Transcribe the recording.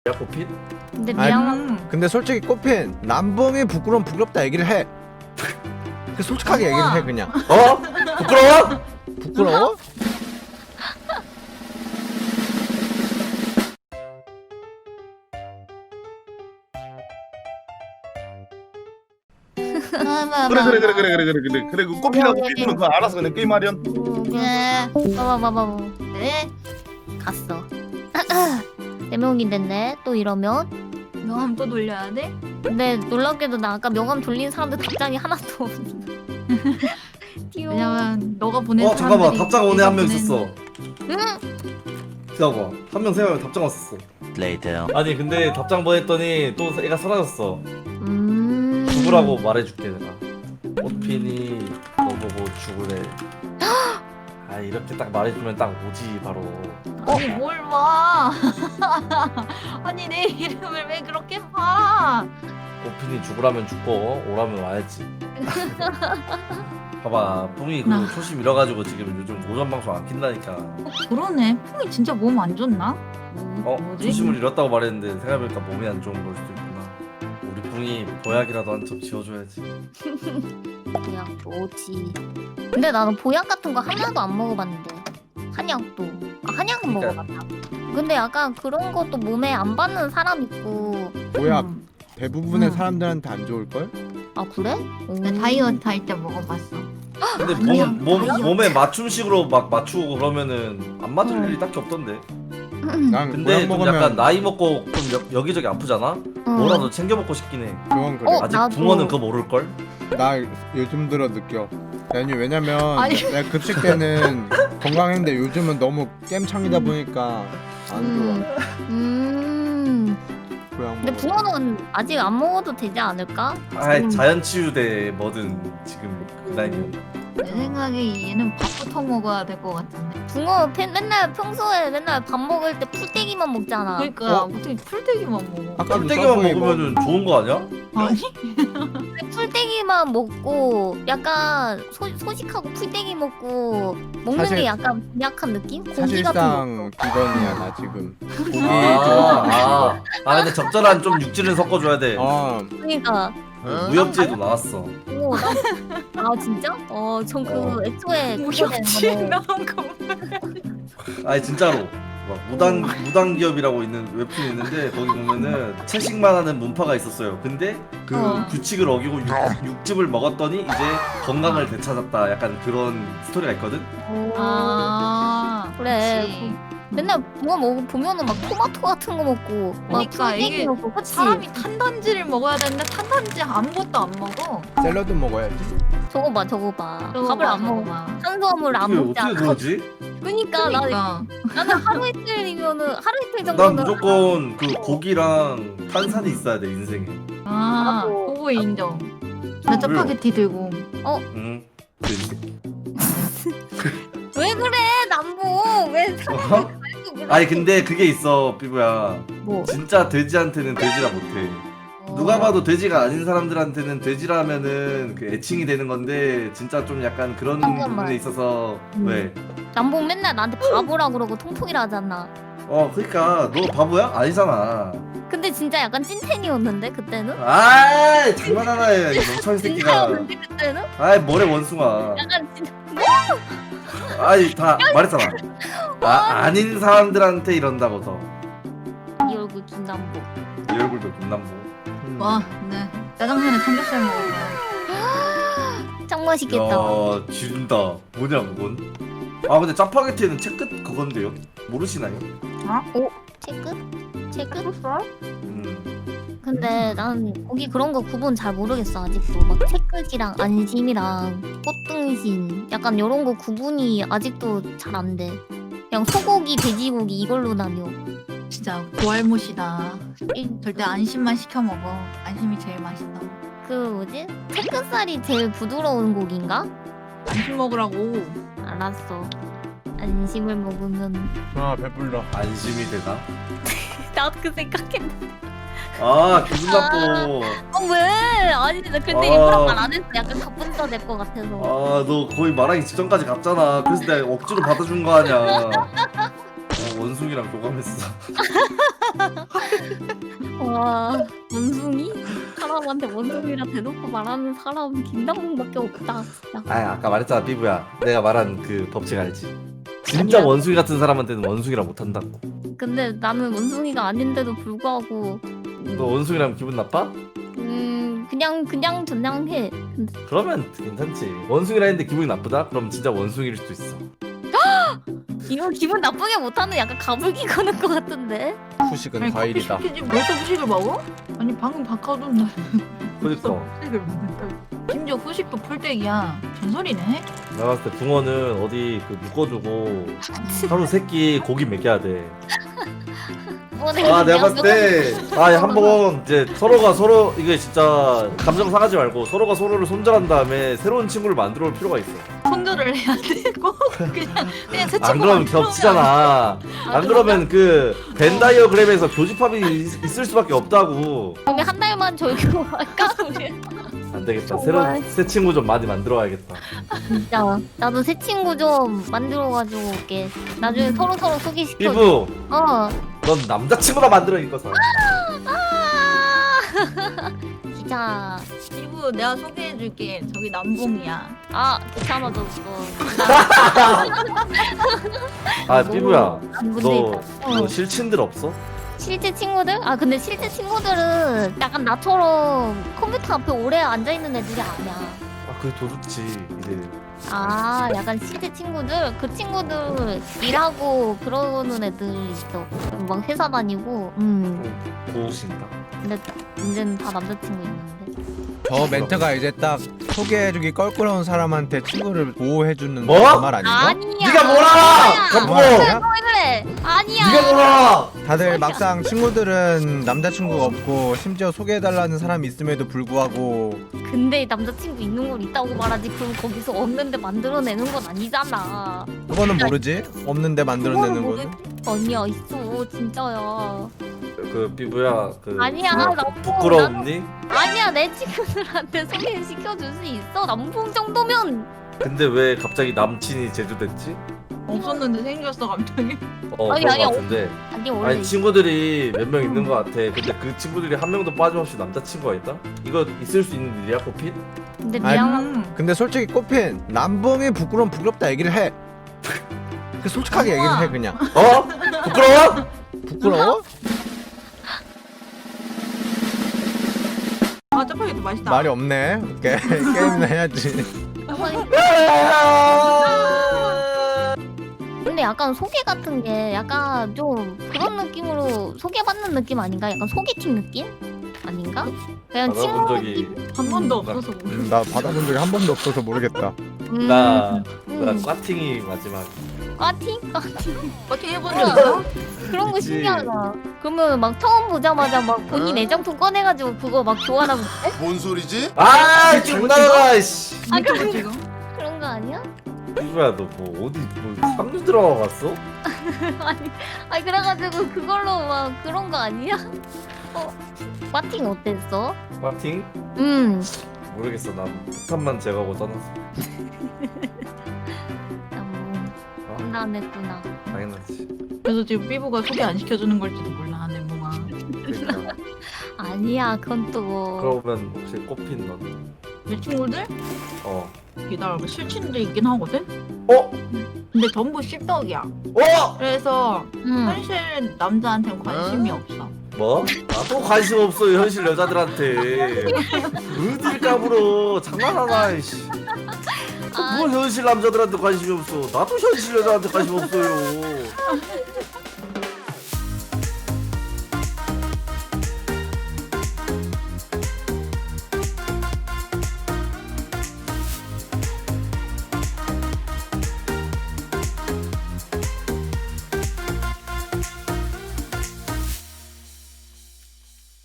야 꽃핀? 근데 아니, 미안. 근데 솔직히 꽃핀 남봉이 부끄러움 부끄럽다 얘기를 해. 그 솔직하게 얘기를 해 그냥. 어? 부끄러워? 부끄러워? 그래 그 꽃핀하고 삐부는 그거 알아서 그냥 게임 하련. 네. 봐봐. 네. 갔어. 네 명이 됐네. 또 이러면. 명함 또 돌려야 돼? 근데 놀랍게도 나 아까 명함 돌린 사람들 답장이 하나도 없는데. 띠용. 왜냐면 너가 보낸 잠깐만 사람들이 답장 오네 한 명 내가 있었어. 응? 기다려봐 한 명 생각하면 답장 왔었어. 아니 근데 답장 보냈더니 또 애가 사라졌어. 죽으라고 말해줄게 내가. 꽃핀이 너 보고 죽으래. 아 이렇게 딱 말해주면 딱 오지 바로. 아니 뭘 봐. 아니 내 이름을 왜 그렇게 봐. 꽃핀이 죽으라면 죽고 오라면 와야지. 봐봐 뿡이 그 초심 잃어가지고 지금 요즘 오전 방송 안 킨다니까. 그러네. 풍이 진짜 몸 안 좋나? 뭐지? 초심을 잃었다고 말했는데 생각해보니까 몸이 안 좋은 걸 수도 있구나. 우리 뿡이 보약이라도 한 점 지어줘야지. 그냥 뭐지. 근데 나는 보약 같은 거 하나도 안 먹어봤는데. 한약도. 한약은 그러니까. 먹어봤다. 근데 약간 그런 것도 몸에 안 받는 사람 있고. 보약 음. 대부분의 사람들한테 안 좋을걸? 아 그래? 나 다이어트 할 때 먹어봤어. 근데 아니야, 몸에 맞춤식으로 막 맞추고 그러면 안 맞을 일이 딱히 없던데. 난 근데 보약 좀 먹으면 약간 나이 먹고 좀 여기저기 아프잖아? 뭐라도 챙겨 먹고 싶긴 해. 그건 그래. 아직 나도. 붕어는 그거 모를걸? 나 요즘 들어 느껴. 왜냐면 아니. 내가 급식 때는 건강했는데 요즘은 너무 깸창이다 보니까 안 좋아. 보약 근데 먹어. 붕어는 아직 안 먹어도 되지 않을까? 아이 자연치유대 뭐든 지금 그 나이면. 내 생각에 얘는 밥부터 먹어야 될 것 같은데. 붕어 맨날 평소에 맨날 밥 먹을 때 풀떼기만 먹잖아. 그러니까 어떻게 풀떼기만 먹어? 아까도 풀떼기만 서브웨이 먹으면 좋은 거 아니야? 아니? 풀떼기만 먹고 약간 소식하고 풀떼기 먹고 먹는 사실- 게 약간 약한 느낌? 고기 같은 거. 사실상 비건이야 나 지금. 고기 아 근데 적절한 좀 육질을 섞어줘야 돼. 그러니까. 무협지에도 나왔어. 오, 아 진짜? 전 그 애초에 무협지 그거는 나온 거. 아니 진짜로. 막 무당 기업이라고 있는 웹툰이 있는데 거기 보면은 채식만 하는 문파가 있었어요. 근데 그 규칙을 어기고 육즙을 먹었더니 이제 건강을 되찾았다. 약간 그런 스토리가 있거든. 아 그래. 그치. 맨날 붕어 보면은 막 토마토 같은 거 먹고 막 그러니까 풀떼기 이게 먹고 그치? 사람이 탄단지를 먹어야 되는데 탄단지 아무것도 안 먹어. 샐러드 먹어야지. 저거 봐 밥을 안 먹어. 탄수화물 안 어떻게 먹잖아. 그러지? 그러니까 그러니까 나는 하루 이틀이면은 하루 이틀 난 정도는 무조건 그 고기랑 탄산이 있어야 돼 인생에. 아 나도. 그거 인정. 나 짜파게티 들고. 응. 왜 그래 남보 왜 어? 아니 근데 그게 있어 삐부야. 뭐 진짜 돼지한테는 돼지라 못해. 누가 봐도 돼지가 아닌 사람들한테는 돼지라면은 그 애칭이 되는 건데 진짜 좀 약간 그런 잠깐만. 부분에 있어서 왜? 남보 맨날 나한테 바보라 그러고 통통이라 하잖아. 그러니까 너 바보야? 아니잖아. 근데 진짜 약간 찐텐이었는데 그때는? 아이 장난하나 해 이 멍청이 새끼가. 진짜였는데 그때는? 아이 뭐래 원숭아. 약간 진짜 아이 다 말했잖아. 아닌 사람들한테 이런다고 더. 이 얼굴 김남보. 이 얼굴도 김남보. 와, 네. 짜장면에 삼겹살 먹을 거야. 짱 맛있겠다. 야 지른다. 뭐냐 그건? 근데 짜파게티는 채끝 그건데요? 모르시나요? 체크? 음. 근데 난 거기 그런 거 구분 잘 모르겠어 아직도. 막 체크지랑 안심이랑 꽃등심 약간 이런 거 구분이 아직도 잘 안 돼. 그냥 소고기, 돼지고기 이걸로 나뉘어. 진짜 고알못이다. 절대 안심만 시켜 먹어. 안심이 제일 맛있어. 그 뭐지? 체크살이 제일 부드러운 고기인가? 안심 먹으라고. 알았어. 안심을 먹으면 아 배불러. 안심이 되나? 나도 그 생각했는데. 기분 나빠. 왜? 아니 나 근데 아. 일부러 말 안 했어. 약간 가뿐 써낼 것 같아서. 너 거의 말하기 직전까지 갔잖아. 그래서 내가 억지로 받아준 거 아니야. 원숭이랑 교감했어. 와 원숭이? 사람한테 원숭이라 대놓고 말하는 사람 김남봉밖에 없다 진짜. 아 아까 말했잖아 삐부야. 내가 말한 그 법칙 알지? 진짜 아니야. 원숭이 같은 사람한테는 원숭이라 못한다고. 근데 나는 원숭이가 아닌데도 불구하고 너 원숭이라면 기분 나빠? 그냥 해. 근데 그러면 괜찮지. 원숭이라 했는데 기분이 나쁘다? 그럼 진짜 원숭이일 수도 있어. 이거 기분 나쁘게 못하는 약간 가불기 거는 것 같은데. 후식은 과일이다. 시키지 벌써 후식을 먹어? 아니 방금 바꿔둔 날 그니까 후식을 먹는다. 심지어 후식도 풀떼기야. 전설이네. 내가 봤을 때 붕어는 어디 그 묶어두고 하루 세끼 고기 먹여야 돼. 아 내가 봤을 때 한번 이제 서로가 서로 이게 진짜 감정 상하지 말고 서로가 서로를 손절한 다음에 새로운 친구를 만들어 올 필요가 있어. 손절을 해야 되고 그냥 새 친구 안 그러면 만들어 겹치잖아. 안 그러면 그 벤 다이어그램에서 교집합이 있을 수밖에 없다고. 우리 한 달만 절교 할까 우리? 안 되겠다. 정말. 새로운 새 친구 좀 많이 만들어 와야겠다. 진짜 나도 새 친구 좀 만들어가지고 올게. 나중에 서로 소개시켜. 삐부, 어. 넌 남자친구나 만들어 이거서. 진짜. 이브 내가 소개해줄게. 저기 남봉이야. 아 귀찮아 졌어. 아 삐부야, 너 너 실친들 없어? 실제 친구들? 아 근데 실제 친구들은 약간 나처럼 컴퓨터 앞에 오래 앉아 있는 애들이 아니야. 아 그게 더 좋지. 이제 아 약간 실제 친구들 그 친구들 일하고 그러는 애들 있어. 막 회사 다니고. 고우신다. 근데 이제는 다 남자친구 있는데. 저 멘트가 이제 딱 소개해주기 껄끄러운 사람한테 친구를 보호해주는 뭐? 그 말 아닌가? 아니야. 네가 뭐라! 아니야. 감고! 왜 그래? 아니야. 네가 뭐라! 다들 막상 친구들은 남자친구가 없고 심지어 소개해달라는 사람이 있음에도 불구하고 근데 남자친구 있는 걸 있다고 말하지. 그럼 거기서 없는데 만들어내는 건 아니잖아. 그거는 모르지? 없는데 만들어내는 거는? 아니야 있어 진짜야. 그 삐부야 그 아니야, 나 부끄럽니? 아니야 내 친구들한테 소개시켜줄 수 있어. 남봉 정도면. 근데 왜 갑자기 남친이 제주됐지? 없었는데 생겼어 갑자기. 아니, 그런 아니, 거 같은데. 아니 원래 아니 친구들이 몇 명 있는 거 같아. 근데 그 친구들이 한 명도 빠짐없이 남자친구가 있다? 이거 있을 수 있는 일이야 코핀? 근데 아니, 미안한 근데 솔직히 꽃핀 남봉이 부끄러움 부끄럽다 얘기를 해. 그 솔직하게 얘기를 해 그냥. 어? 부끄러워? 부끄러워? 아 짜파게티 맛있다. 말이 없네. 오케이 게임이나 해야지. 근데 약간 소개 같은 게 약간 좀 그런 느낌으로 소개받는 느낌 아닌가? 약간 소개팅 느낌? 아닌가? 그냥 받아본 친구 적이 한 번도 없어서 모르겠어. 나 받아본 적이 한 번도 없어서 모르겠다. 나 꽈팅이 마지막. 꽈팅? 어떻게 해본 적 있어? 그런 거 있지. 신기하다. 그러면 막 처음 보자마자 막 본인 애정통 꺼내가지고 그거 막 교환하고 그래? 뭔 소리지? 아 장난하다 씨. 아 그런 지금? 그런 거 아니야? 삐부야 너 뭐 어디 뭐 상류 들어가 갔어? 아니 그래가지고 그걸로 막 그런 거 아니야? 꽈팅 어땠어? 꽈팅? 모르겠어. 나 폭탄만 제거하고 떠났어. 나뭐 장난했구나. 당연하지. 그래서 지금 삐부가 소개 안 시켜주는 걸지도 몰라 멘붕아. 그러니까. 아니야 그건 또 뭐. 그러면 혹시 꽃핀 너는? 내 친구들? 어. 기다려봐 실친들 있긴 하거든? 어? 근데 전부 씹덕이야. 어? 그래서 응. 현실 남자한테는 관심이 없어. 뭐? 나도 관심 없어요 현실 여자들한테. 어딜 까불어 장난하나 이씨. 아, 뭘 현실 남자들한테 관심이 없어. 나도 현실 여자한테 관심 없어요.